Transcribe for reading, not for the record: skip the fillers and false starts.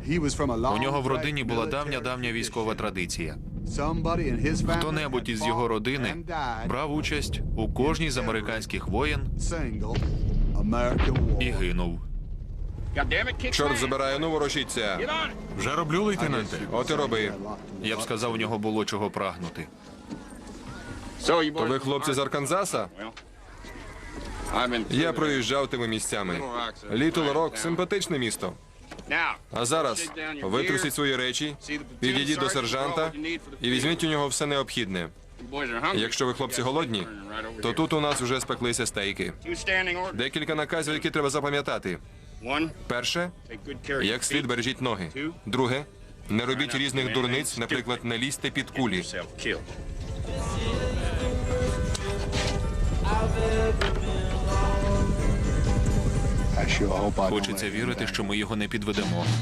У нього в родині була давня військова традиція. Хто-небудь із його родини брав участь у кожній з американських воєн і гинув. Чорт забирає, ну ворушіться. Вже роблю, лейтенанте. От і роби. Я б сказав, у нього було чого прагнути. То ви хлопці з Арканзаса? Я проїжджав тими місцями. Літл Рок – симпатичне місто. А зараз витрусіть свої речі, підійдіть до сержанта і візьміть у нього все необхідне. Якщо ви, хлопці, голодні, то тут у нас вже спеклися стейки. Декілька наказів, які треба запам'ятати. Перше – як слід бережіть ноги. Друге – не робіть різних дурниць, наприклад, не лізьте під кулі. Хочеться вірити, що ми його не підведемо.